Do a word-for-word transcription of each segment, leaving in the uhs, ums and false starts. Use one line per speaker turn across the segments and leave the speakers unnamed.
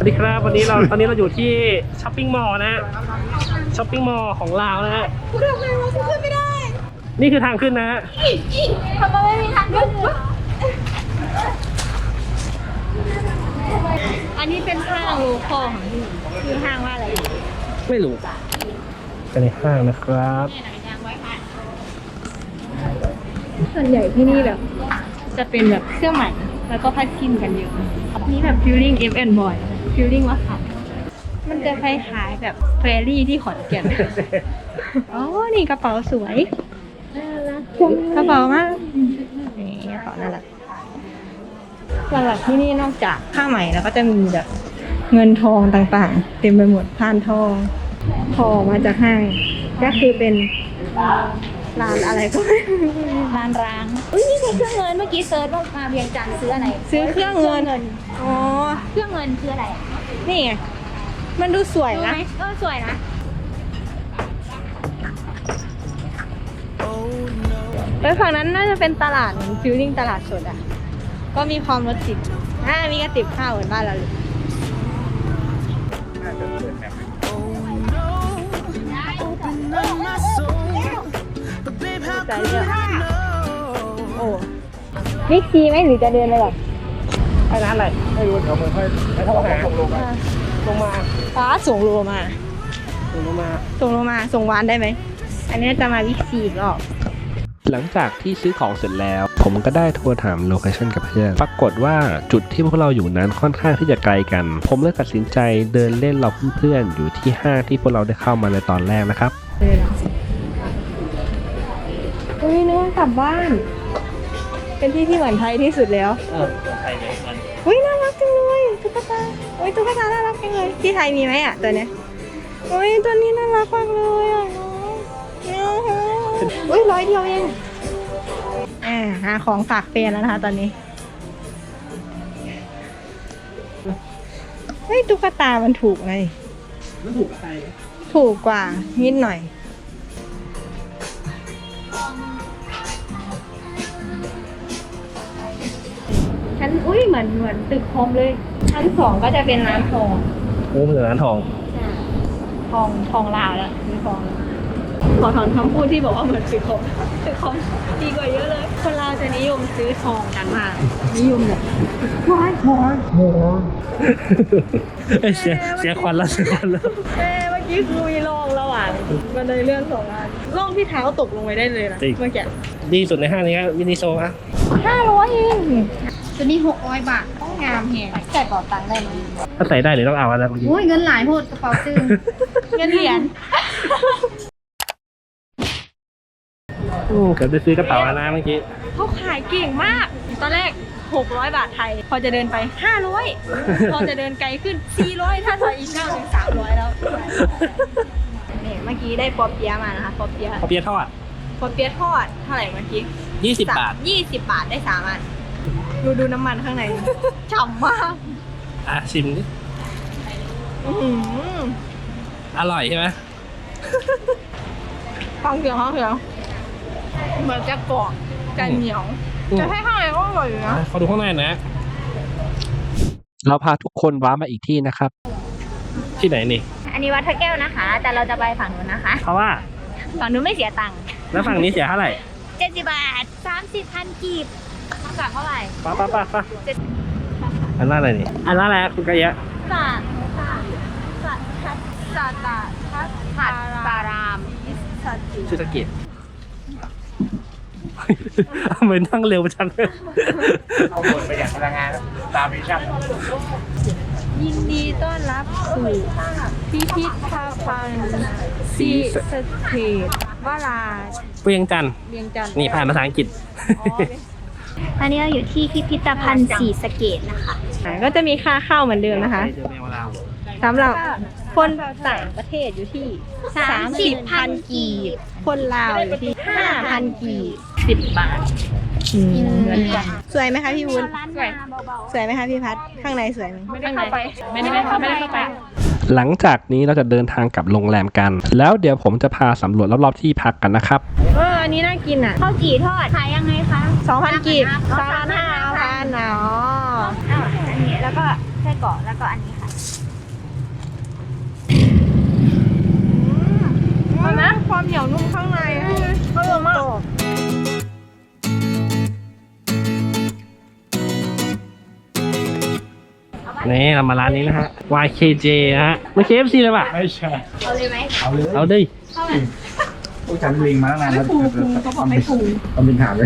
สวัสดีครับวันนี้เราตอนนี้เราอยู่ที่ช้อปปิ้งมอลล์นะฮะช้อปปิ้งมอลล์ของลาวนะฮะกูทำไงวะกูขึ้นไม่ได้นี่คือทางขึ้นนะฮะ
ทำไมไม่มีทางขึ้นอันนี้เป็นห้างโลคอลของที่คือห้างว่าอะไร
ไม่รู้เป็นในห้างนะครับ
ส่วนใหญ่ที่นี่แบบจะเป็นแบบเสื้อใหม่แล้วก็ผ้าชิ้นกันเยอะนี่แบบฟิลลิ่ง เอฟ แอนด์ Boy ฟิลลิ่งว่าค่ะมันจะคล้ายๆแบบเฟรรี่ที่ขอนแก่นอ๋อนี่กระเป๋าสวยกระเป๋ามากนี่กระเป๋าน่ารักหลักๆที่นี่นอกจากผ้าไหมแล้วก็จะมีแบบเงินทองต่างๆเต็มไปหมดพานทองทองมาจากห้างก็คือเป็นร้านอะไรก็ไม่รู้ร้านร้างอุ้ยนี่คือเครื่องเงินเมื่อกี้เซิร์ชว่ามาเวียงจันทร์ซื้ออะไรซื้อเครื่องเงินอ๋อเครื่องเงินคืออะไรนี่ไงมันดูสวยนะเออสวยนะไปฝั่งนั้นน่าจะเป็นตลาดเหมือนฟิลลิ่งตลาดสดอ่ะก็มีความรถติดอ่ามีกระติบข้าวเหมือนบ้านเราเลยใจเยอะโอ้บิ๊กซีไหมหรือจะเดินไปหรอ
ไอ้ร้านอะไรไม่รู้เดี๋ยวผมค่อยให้เขาหาส่งลงมาลงมา
ป้าส่งโลมา
ส่งลงมา
ส่งโลมาส่งวานได้ไหมอันนี้จะมาบิ๊กซีอีกรอบ
หลังจากที่ซื้อของเสร็จแล้วผมก็ได้โทรถามโลเคชั่นกับเพื่อนปรากฏว่าจุดที่พวกเราอยู่นั้นค่อนข้างที่จะไกลกันผมเลยตัดสินใจเดินเล่นเราเพื่อนๆอยู่ที่ห้างที่พวกเราได้เข้ามาในตอนแรกนะครับ
อุ้ยนึกว่ากลับบ้านเป็นที่ที่เหมือนไทยที่สุดแล้ว
เออไทยเหมือนกัน
อุ้ยน่ารักจังเลยตุ๊กตาอุ้ยตุ๊กตาน่ารักจังเลยที่ไทยมีไหมอ่ะตัวเนี้ยอุ้ยตัวนี้น่ารักมากเลยอ่ะน้องอุ้ยร้อยเดียวเองอ่าหาของฝากเฟนแล้วนะคะตอนนี้เฮ้ยตุ๊กตามันถูกไง
มันถูกกับไทย
ถูกกว่านิดหน่อยชั้นอุ้ยเหมือนเหมือนตึกคอมเลยชั้นสองก็จะเป็นร้านทอง
โอ้เป็นร้านทอง
ทองทองลาวแล้วมีทองขอถอนคำพูดที่บอกว่าเหมือนตึกคอมตึกคอมดีกว่าเยอะเลยคนลาวจะนิยมซื้อทองกันมากนิยมแบบว้ายว้ายว้าย
เสียเสียควันแล้วเสียควันแล้ว
เอ๊เมื่อกี้คือมีร่องระหว่างบันไดเลื่อนสองอันร่องที่เท้าตกลงไปได้เลยนะเมื่อกี้
ดีสุดในห้างนี้ครับมินิโซอะ
ห้าร้อยเองตัวนี้หกร้อยบาทต้องงามแฮงใส่กระเป๋าตังค์ได้ไหม
ถ้าใส่ได้หรือต้องเอาอะไรบางที
โอ้ยเงินหลายโหดกระเป๋าตึงเงินเหรียญ
อืมเกือบได้ซื้อกระเป๋าแล้วเมื่อกี้
เขาขายเก่งมากตอนแรกหกร้อยบาทไทยพอจะเดินไปห้าร้อยพอจะเดินไกลขึ้นสี่ร้อยถ้าถอยอีกเก้าถึงสามร้อยแล้วเนี่ยเมื่อกี้ได้ปอเปี๊ยะมานะคะปอเปี๊ยะ
ปอเปี๊ยะทอด
ปอเปี๊ยะทอดเท่าไหร่เมื่อกี้
ยี่สิบบาท
ยี่สิบบาทได้สามอันดูดูน้ำมันข้างในฉ่ำมาก
อ่ะชิมดิอร่อยใช่ไหม
ฟังเสียงฟังเสียงเหมือนจะกรอบจะเหนียวจะให้ข้างในก็อร่อยอยู่นะ
เขาดูข้างในนะ
เราพาทุกคนว้ามาอีกที่นะครับ
ที่ไหนนี่
อันนี้วัดพระแก้วนะคะแต่เราจะไปฝั่งนู้นนะคะ
เพราะว่า
ฝั่งนู้นไม่เสียตังค์
แล้วฝั่งนี้เสียเท่าไหร่
เจ็ดสิบบาทสามสิบพันกีบเท่ากับเท่าไหร่
ป้าป้าป้าป้าอันนั้นอะไรนี่อันนั้นอะไรคุณกะยะ
สาสาสาทัศสาตาทัศหัดสาราม
ชื่อสกิจเหมือนนั่งเร็วจังเลย
เอาหมดไปอย่างพลังงานตามมิชชั่น
ยินดีต้อนรับสู่พิพิธภัณฑ์ซีสเตทวรา
เวียงจันทร์
เวียงจันทร์
นี่ผ่านภาษาอังกฤษ
ตอนนี้เราอยู่ที่พิพิธภัณฑ์ศรีสะเกษนะคะก็จะมีค่าเข้าเหมือนเดิมนะคะสำหรับคนต่างประเทศอยู่ที่สามสิบพันกีบคนลาวอยู่ที่ห้าพันกีบสิบบาทเหมือนกันสวยไหมคะพี่วุ้นสวยสวยไหมคะพี่พัดข้างในสวยไหม
ไม่ได้เข้าไปไม่ได้เข้าไม่ได้เข้าไป
หลังจากนี้เราจะเดินทางกลับโรงแรมกันแล้วเดี๋ยวผมจะพาสำรวจรอบๆที่พักกันนะครับ
เอออันนี้น่ากินอ่ะข้าวจี่ทอดขายยังไงคะสองพันกีบสามพันห้าพันอ๋ออันนี้แล้วก็แค่กรอกแล้วก็อันนี้ค่ะมันนะความเหนียวนุ่มข้างในอร่อยมาก
นี่เรามาร้านนี้นะฮะ วาย เค เจ นะฮะไม่ เค เอฟ ซี เลยป่ะ
ไม่ใช่
เอาเลยไหม
เอาเลย
เอาดิ
พวกฉันลิงมาตั้งนานแล้วปูปูเขาบอกไม่ปูเอาเป็นถามเลย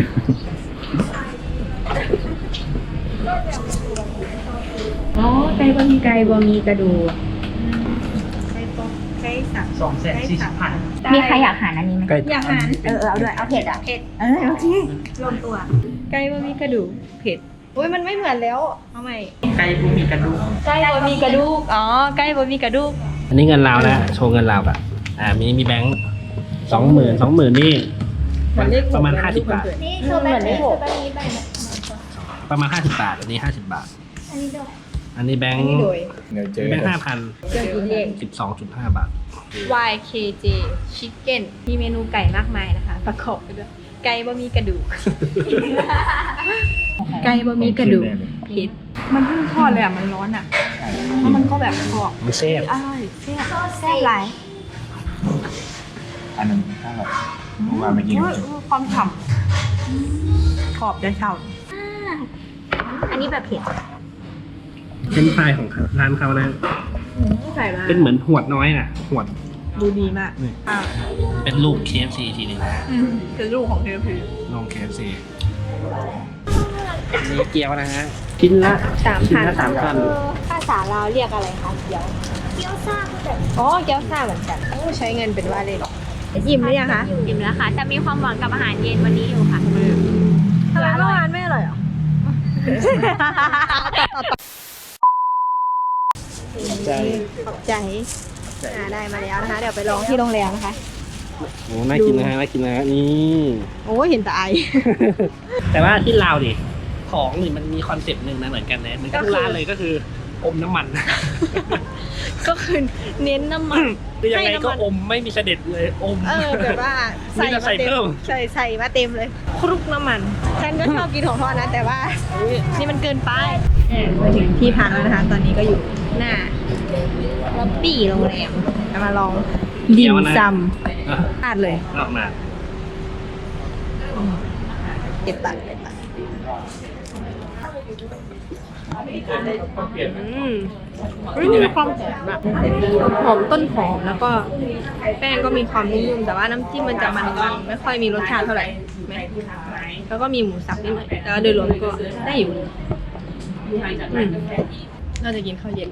อ๋อไก่บะหมี่ไก่บะหมี่กระดูกไก่สับ
สองแสนสี่สิบพัน
มีใครอยากหารอันนี้ไหม
อยากหาร
เออเอาด้วยเอาเผ็ดอ่ะเผ็ดเออโอเครวมตัวไก่บะหมี่กระดูกเผ็ดอุ้ยมันไม่เหมือนแล้วเอาใหม่
ไก่บุมีกระดูก
ไก่บะหมี่กระดูกอ๋อไก่บะหมี่กระดูก
อันนี้เงินลาวนะ โชว์เงินลาวอ่ะ อ่า มีมีแบงค์สองหมื่นสองหมื่นนี่ประมาณห้าสิบบาท
นี่คือแบบนี้คือแบบนี้แบบ
ประมาณห้าสิบบาท อันนี้ห้าสิบบาท
อันนี้ด้วย
อันนี้แบงค์
เดี๋ยวเจอ
แบงค์ห้าพัน
เครื่องกินเอง
สิบสองจุดห้าบาท
วาย เค เจ Chicken มีเมนูไก่มากมายนะคะ ประกอบไปด้วยไก่บะหมี่กระดูก ไก่บะหมี่กระดูกเผ็ดมันเพิ่งทอดเลยอ่ะ มันร้อนอ่ะ แล้วมันก็แบบกรอบ
มันเซ่บ
อร่อยแซ่บแซ่บหลาย
อันนั้นถ้าแบบเมื่อวานมากิน
อุ๊ยอุ๊ยความฉ่ำกรอบได้ฉ่ำอันนี้แบบเผ็ด
เส้นฟรายของร้านเขานะ
ใส่มา
เป็นเหมือนหวดน้อยน่ะ หวด
ดูดีมาก
นี่
อ่า
เป็นลูก เค เอฟ ซี ทีนึงนะ
เป็นลูกของเทพี
ลอง เค เอฟ ซี นี่เกี๊ยวนะฮะ ชิ้นละ
สาม
ชิ้น
พัน
ละสามพัน
ภาษาลาวเรียกอะไรคะเกี๊ยวเกี๊ยวซ่าอ๋อเกี๊ยวซ่าเหมือนกันโอ้ใช้เงินเป็นว่าเลยหรออิ่มหรือยังคะ
อิ่มแล้วค่ะ แต่มีความหวังกับอาหารเย็นวันนี้อยู่ค่ะ
ทำไมเมื่อวานไม่อร่อยหรอ
ใจ
ขอบใจอ่าได้มาแล้วนะคะ เดี๋ยวไปลองที่โรงแรมนะคะ
โอ้น่ากินนะฮะ น่ากินนะฮะ นี่
โอ้เห็นแต่ไอ
แต่ว่าที่ลาวดิของนี่มันมีคอนเซปต์หนึ่งนะเหมือนกันนะเหมือนกันทุกร้านเลยก็คืออมน้ำมัน
ก็คือเน้นน้ำมัน
คือยังไงก็
ให้น้ำมัน
อมไม่มีเสด็จเลยอม
เออแบบว่า
มีแต่ใส่
มา
เพิ่ม
ใส่ใส่มาเต็มเลย คลุกน้ำมัน ฉันก็ชอบกินของทอดนะ แต่ว่านี่มันเกินไปมาถึงที่พักแล้วนะคะ ตอนนี้ก็อยู่หน้าล็อบบี้โรงแรมจะมาลองดิมซำ
อ่ะ
พลาดเลย
ออกมา
เก็บตังค์เก็บตังค์อืมมีความหอมอะหอมต้นหอมแล้วก็แป้งก็มีความนุ่มๆแต่ว่าน้ำจิ้มมันจะมันๆไม่ค่อยมีรสชาติเท่าไหร่ไหมแล้วก็มีหมูสับนิดหน่อยแต่ว่าโดยรวมก็ได้อยู่อืมน่าจะกินข้าวเย็นได้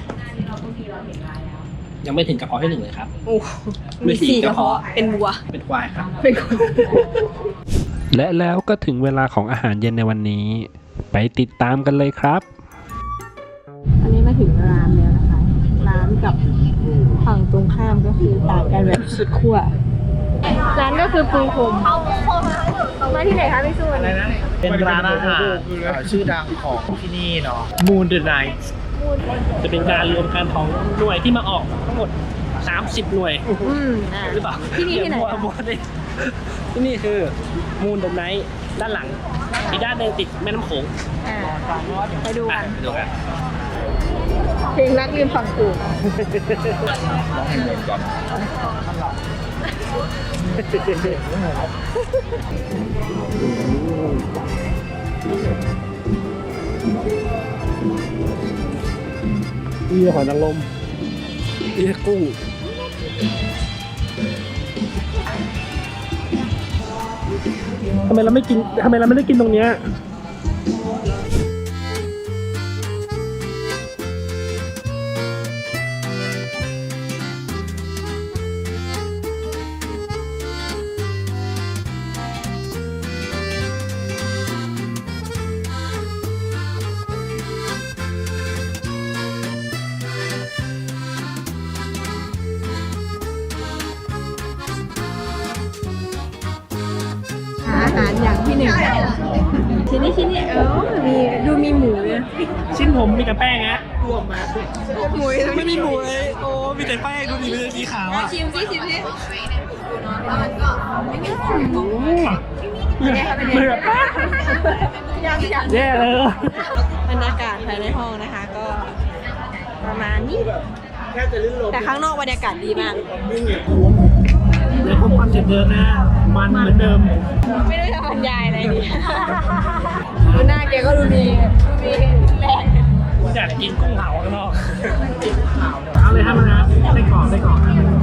ยังไม่ถึงกระเพาะที่หนึ่งเลยครับ
โอ้มีสี่กระเพาะเป็นวัว
เป็นควายครับ
เป็นคน
และแล้วก็ถึงเวลาของอาหารเย็นในวันนี้ ไปติดตามกันเลยครับ
อันนี้มาถึงร้านแล้วนะคะ ร้านกับฝั่งตรงข้ามก็คือต่างกันแบบสุดขั้วร้านก็คือปูพรมมาที่ไหนคะพี่สุวรรณ
เป็นร้านอาหารชื่อดังของที่นี่เนาะ Moon the Night
จะเป็นการรวมกันของหน่วยที่มาออกทั้งหมดสามสิบหน่วย
อืมอ่า
หรือเปล่า
ที่นี่ที่ไหน
มัวมัวดิที่นี่คือมูนเดอะไนท์ด้านหลัง อีกด้านหนึงติดแม่น้ำโขง
อ่าไปดู
อ่ะ
กัน
ไปดูกัน
เพลงรักลืมฝั่งกู
อีหอยนางรมอีกุ้งทำไมเราไม่กินทำไมเราไม่ได้กินตรงเนี้ย
อาหารอย่างที่หนึ่งชิ้นนี้ชิ้นนี้เออมีดูมีหมูเลย
ชิ้นผมมีแต่แป้งฮะ
รวมมาหมู
ไม่มีหมูเลยโอ้มีแต่แป้งดูดิมีแต่สีขาวอ่ะ
ชิมสิชิมสิ
เหมือนแป้ง
ยังยัง
แย่เลย
บรรยากาศภายในห้องนะคะ ก็ประมาณนี้
แค่จะลื่นลม
แต่ข้างนอกบรรยากาศดีมาก
เลยคงคอนเซ็ปต์เดิมนะ มันเหมือนเดิม
ไม่ได้จะบรรยายอะไรดีดูหน้าแกก็ดูมีดูมีแรง
อยากกินกุ้งเผาข้างนอก เอาเลยครับมันนะไส้กรอกไส้กรอก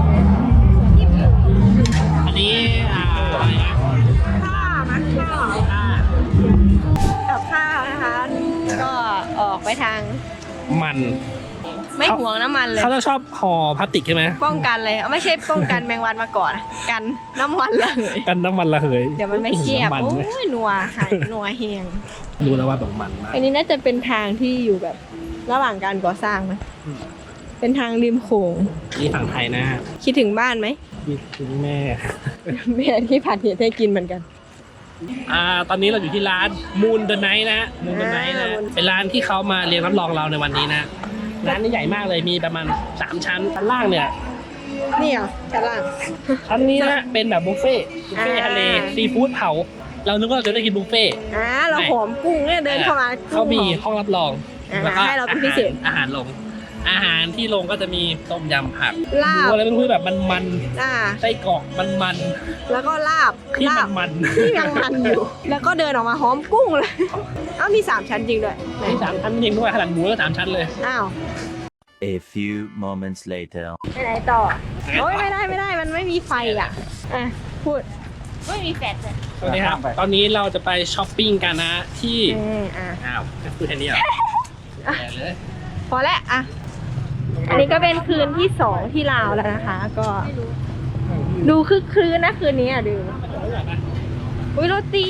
อันนี้อ่าอะไรนะ
ข้าวนะข้าว
อ่า
กับข้าวนะคะ ก็ออกไปทาง
มัน
ไม่ห่วงน้ำมันเลย
เขาจะชอบห่อพลาสติกใช่ไหม
ป้องกันเลยเอาไม่ใช่ป้องกันแมงวันมาก่อน กันน้ำมันเลย
กันน้ำมันระเหย
เดี๋ยวมันไม่เชียบ
น้ำมัน
โอ้
ไหม
ยนัวค่ะนัวเฮียง
รู้แล้วว่าแบบมันมาก
อันนี้น่าจะเป็นทางที่อยู่แบบระหว่างการก่อสร้างไหมเป็นทางริมโขง
นี่ฝั่งไทยนะ
คิดถึงบ้านไหม
นี่คือแม่
แม่ที่ผัดเห็ดให้กินเหมือนกัน
อ่าตอนนี้เราอยู่ที่ร้าน Moon the Night นะ Moon the Night นะ
อ่า
เป็นร้านที่เขามาเรียนรับรองเราในวันนี้นะ ร้านนี้ใหญ่มากเลยมีประมาณสามชั้นชั้นล่างเนี่ย
นี่เหรอชั้นล่าง
ชั้นนี้นะเป็นแบบบุฟเฟ่ต์บุฟเฟ่ต์
อ่า
ทะเลซีฟู้ดเผา เรานึกว่าเราจะได้กินบุฟเฟ่ต์
อ่าเราหอมกุ้งเนี่ยเดินเข้ามา
เขามี
กุ้งหอ
ห้องรับรอง
อ่า
แล้วก็
ให้เราเป็นพิเศษ
อาหารลง อาหารที่ลงก็จะมีต้มยำผัก
ลาบ
หรืออะไรไม่รู้แบบมัน
อ่า
ๆไส้กรอกมัน
แล้วก็ลาบ
ๆที่
ลาบ
มัน
ที่ยังมันอยู่ แล้วก็เดินออกมาหอมกุ้งเลยเอ้ามีสามชั้นจริงด้วย
ๆมีสามชั้นจริงด้วยขนาดหมูก็สามชั้นเลย
อ้าว
A few moments later.
ไปไหนต่อโอ้ยไม่ได้ไม่ได้มันไม่มีไฟอ่ะอ่ะพูด
ไม่มีแฟลชเลย
สวัสดีครับ ตอนนี้เราจะไปช้อปปิ้งกันนะที่
เอออ่ะ
อ้าวจะพูดแค่นี้เหรอแย่เลย
พอแล้วอ่ะอันนี้ก็เป็นคืนที่สองที่ลาวแล้วนะคะ ก็ ดูคึกคืนนะคืนนี้อ่ะดูอุ้ยโรตี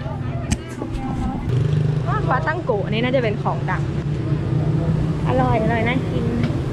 ว่าปลาตั้งโกะอันนี้น่าจะเป็นของดังอร่อยอร่อยน่ากิน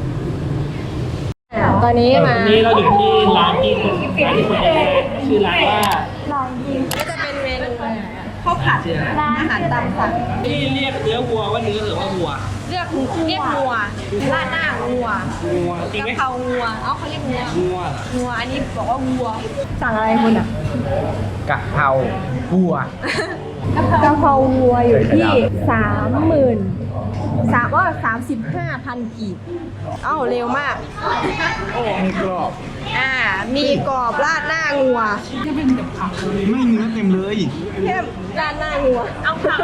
อ่ะตอนนี้มา
วันนี้เราอยู่ที่ร้านที่คนร้านที่คนแรกชื่อร้านว่า
ก็จะเป็นเมนูข้าวผัดอาหารตามสั่ง
ที่เรียกเนื้อวัวว่าเนื้อหรือว่าวัว
เรียกเรียกงัวราดหน้างัว
วัวจริง
กะ
ไหม
เพรางัวเอ้าเขาเรียกงัว
วัวเหรอ
งัวอันนี้บอกว่าวัวสั่งอะไรคุณอ่ะ
กะเพราบัว
กะเพราวัวอยู่ที่สามหมื่นสามว่าสามสิบห้าพันกีบเอ้าเร็วมาก
มีกรอบ
อ่า มีกรอบราดหน้างัว
ไม่เนื้อเต็มเลย
เข้มราดหน้างัว เอาผัก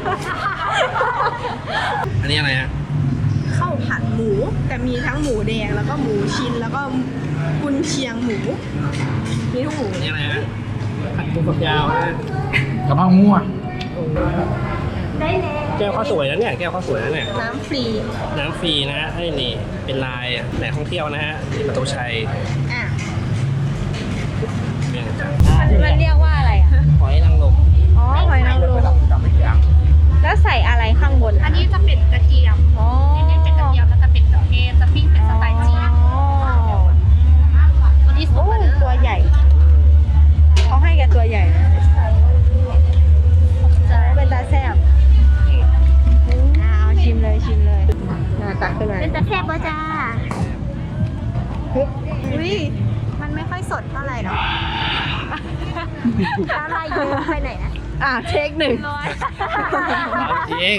อันนี้อะไรฮะ
ข้าวผัดหมู แต่มีทั้งหมูแดงแล้วก็หมูชิ้นแล้วก็กุนเชียงหมู มีทุกหมู
อันนี้อะไรฮะผัดปูฝักยาวนะ
กะเพรางัว
ได้แล้ว
แก้วข้าวสวยนะเนี่ยแก้วข้าวสวยนะเนี่ย
น้ำฟรี
น้ำฟรีนะฮะให้นี่เป็นลายแหล่งท่องเที่ยวนะฮะที่ประตูชัย
อ่ะ
เมืองจันทร์
มันเรียกว่าอะไรอ่ะ
หอยนางรม
อ๋อหอยนางรมแล้วใส่อะไรข้างบน
อันนี้จะเป็นกระเทียม
อ๋อ
เน้นๆเป็นกระเทียมแล้วจะเป็นดอกเทศจะปิ้งเป็นสไตล์จีน
อ๋อ
ตัวนี้สุ
โอ้
กเลย
ตัวใหญ่ เขาให้แกตัวใหญ่นะเป็นตาแซ่บอ่าเอาชิมเลยชิมเลยอ่าตักขึ้นมา
เป็นตะแคบป่ะจ้า
อุ้ยมันไม่ค่อยสดเท่าไหร่หรอก
อะไรเยอะไปไหนนะ
อ่าเทคหนึ่ง
ร้อย
จริง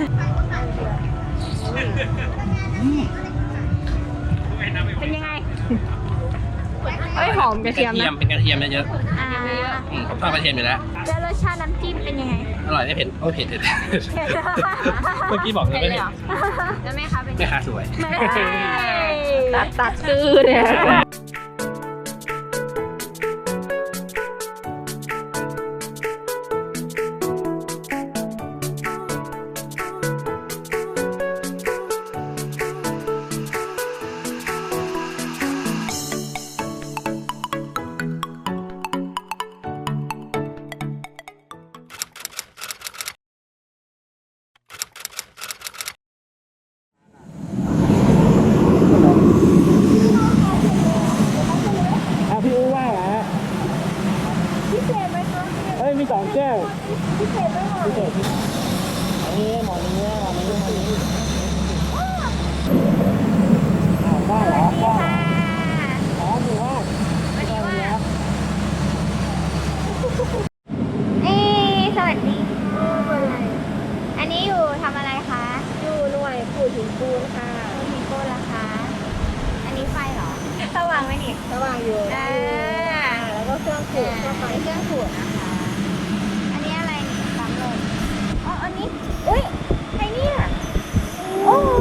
เป็นยังไง
เอ้ยหอมกระ
ก
เทีย
ระ
ม
เทียม
นะ
เป็นกระเทียมเยอะ
อ่า
ๆอืมผมชอบกระเทียมอยู่แล้ว
แล้วรสชาติน้ำจิ้มเป็นยังไง
อร่อยไม่เผ็ดโอ้ยเผ็ดเผ็ดเมื่อกี้บอกเลยไม่เผ็ด
แล้วแม่คะเป็น
แม่ค้าสวย
ตัดตัดตื้อเนี่ย
เอาพี่อู้ว่าเหรอฮะพิเศษไหมคะเฮ้ยมีสองแก้วพิเศษไหมคะพิเศษอันนี้หมอนี้หมอนี้หมอนี้อ้าวได้เหรอได้อ๋อถือว่าไม่ได้วันนี้ครับ
เอ๊ะสวัสดี อันนี้อยู่ทำอะไรคะ
อยู่หน่วยปู่หินปูนค่ะ
หิน
โก้ราคาอันนี้ไฟเหรอสว่างไหมนี่สว่างอยู่อ่าแล้วก็เครื่องขูดก็ไปเครื่องขูดนะคะ อันนี้อะไรนี่ปั๊มลมอ๋ออันนี้อุ้ยใครเนี่ยโอ้โห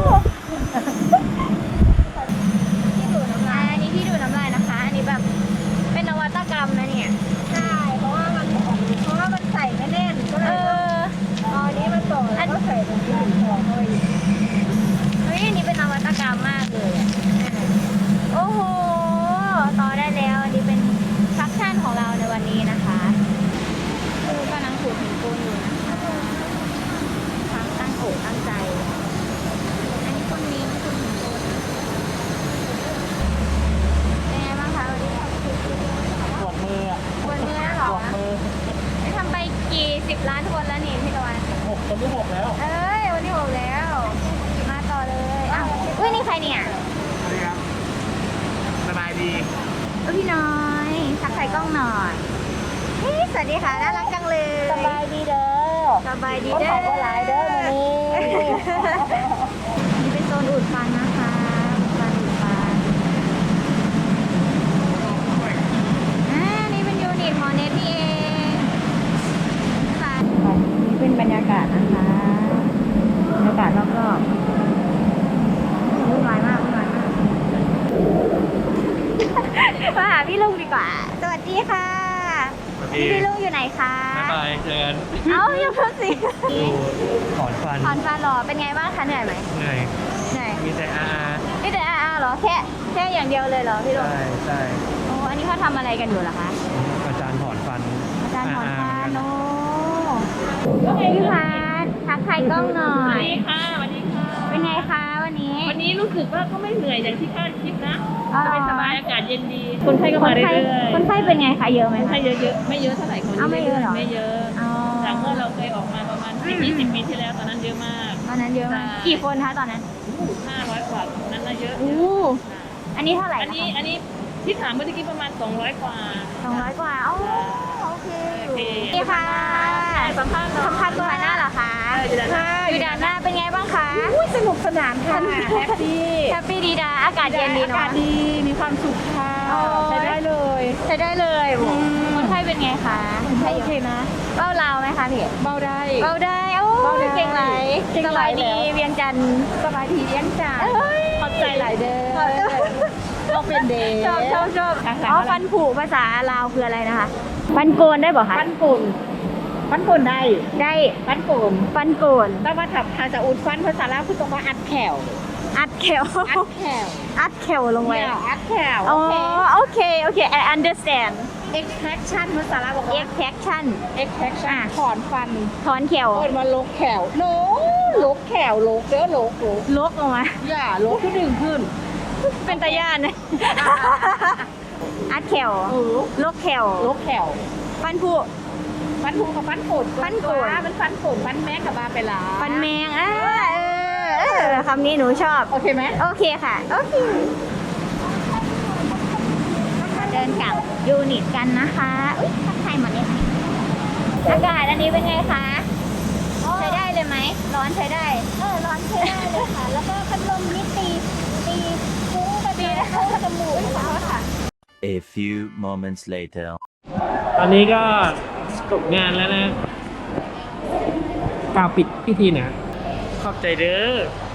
ที่ดูดน้ำลายอันนี้ที่ดูดน้ำลายนะคะ อันนี้แบบเป็นนวัตกรรมนะเนี่ยใช่เพราะว่ามันเพราะว่ามันใส่ไม่แน่นก็เลยเอาอันนี้มาต่อแล้วก็ใส่ตรงนี้ของเข้าไปอีกเฮ้ยอันนี้เป็นนวัตกรรมมากเลยอ่ะโอ้โหต่อได้แล้วอันนี้เป็นฟังก์ชันของเราในวันนี้นะคะคือกำลังขูดหินปูนอยู่นะคะทั้งตั้งอกตั้งใจอันนี้คนนี้ขูดหินปูนเป็นไงบ้างคะวันนี้
ปวดมืออ่ะ
วันนี้เหรอ
ปวดมือ
ได้ทำไปกี่สิบล้านคนแล้วนี่พี่ตะวัน
หกคนที่หกแล้ว
เอ้ยวันที่หกแล้วมาต่อเลยอ้าวอุ้ยนี่ใครเนี่ย
สวัสดีครับสบายดี
อุ้ยพี่น้อยทักทายกล้องหน่อยเฮ้ยสวัสดีค่ะน่ารักจังเลยสบายดีเด้อสบายดีเด้อก็หลายเด้อวันนี้นี่เป็นโซนอุดฟันนะคะฟันอุดฟันอ่านี่เป็นยูนิตหมอเน็ตนี่เองค่ะนี่เป็นบรรยากาศนะคะบรรยากาศรอบๆวุ่นวายมากวุ่นวายมากมาหาพี่ลุงดีกว่า สวัสดีค่ะนี่พี่ลุงอยู่ไหนคะ
บ๊ายบายเจอกัน
เอ้ายังเพิ่งสิ
ดูถอนฟัน
ถอนฟันเหรอ เป็นไงบ้างคะเหนื่อยไหม
เหนื่อย
เหนื่อย
มีแต่อา
นี่แต่อาๆเหรอ แค่แค่อย่างเดียวเลยเหรอพี่ลุง
ใช่ใช่
โอ้อันนี้เขาทำอะไรกันอยู่เหรอคะ
อาจารย์ถอนฟัน
อาจารย์ถอนฟันโอ้พี่พัดทักทายกล้องหน่อย
สวัสดีค่ะสวัสดีค่ะ
เป็นไงคะวันนี้
วันนี้รู้สึกว่าก็ไม่เหนื่อยอย่างที่คาดคิดนะ
อ๋อ
สบายสบายๆอากาศเย็นดี คนไข้ก็
ค
มาน เรื่
ไข้
อยๆ
คนไข้เป็นไงคะเยอะไหม
คน
คะ
ไข้เยอะๆ ไม่เยอะเท่าไหร่คน
อ้าวไม่เยอะเหรอ
ไม่เยอะ
อ๋อ
จากเมื่อเราเคยออกมาประมาณสิบยี่สิบปีที่แล้วตอนนั้นเยอะมาก
ตอนนั้นเยอะมาก
ใช่
กี่คนคะตอนนั้น
ห้าร้อยกว่านั้นน่ะเยอะ
อู้ อันนี้เท่าไหร่
อัน
นะ
นี้
คะ
อันนี้ที่ถามเมื่อกี้ประมาณสองร้อยกว่า
สองร้อยกว่าโอ้โอเคอยู่
โอเค
นี่ค่ะ
สัมภาษณ์หน่อย
สัมภาษณ์ตัวหน้าเหรอคะ
เอออยู่ด้านหน้า
อยู่ด้านหน้าเป็นไงบ้างคะ
สนุกสนานค่ะแฮปปี้
แฮปปี้ดีดาอากาศเย็นดีเนาะ
อากาศดีมีความสุขค่ะ
โอ้ย
ใช้ได้เลย
ใช้ได้เลยคนไข้เป็นไงคะคนไข้
โอเคนะ
เบ้าลาวไหมคะพี่
เบาได้
เบ้าได้โอ้
เบ้าได้
เก่งไหล
เก่ง
ส
ห
บา
ลาย
ย
แล้
ดี
ว
เวียงจันทร์
สบายดีเลี้ยงจาน
เอ้ย
ขอบใจหลายเด้อก็เป็นเดย์
ชอบชอบชอบ
ภาษา
อ๋อ
อะไร
ฟันผุภาษาลาวคืออะไรนะคะฟันโกนได้บ่คะ
ฟันปุ่นฟันปุ่นได้
ได้
ฟันปุ่น
ฟันโกน
แต่ว่าถ้าภาษาอุดฟันภาษาลาวคือตรงว่าอัดแขว
อัดแขว
อัดแขว
อัดแขวลงไว้
เนี่ยอัดแขว
อ๋อ
โอเค
โอเค โอเค I understand
extraction ภาษาลาวบอกว่า
extraction
extraction ถอนฟัน
ถอนแขว
เปิดมาลกแขวโนลกแขวลกเด้อลกลก
ลกออกมา
อย่าลกขึ้นดึงขึ้น
เป็นตาย่านเลยอัดแขว
เออ
ลกแขว
ลกแขว
ฟันผุ
ฟันผูกับฟันปุ่น
ฟันโกน
มันฟันปุ่นฟันแม่กับบาไปละ
ฟันแมงอ่าเออเออคำนี้หนูชอบ
โอเคไหม
โอเคค่ะ โอเคมาเดินกลับยูนิตกันนะคะ อุ้ยทักทายหมดเลยค่ะอากาศอันนี้เป็นไงคะ ใช้ได้เลยไหม ร้อนใช้ได้ เออ ร้อนใช้ได้เลยค่ะ แล้วก็พัดลมนี่ตีตีฟุ้งกระตีเข้าจมูกเขาค่ะ
A few moments later.
ตอนนี้ก็จบงานแล้วนะกล่าวปิดพิธีนะ ขอบใจเด้อ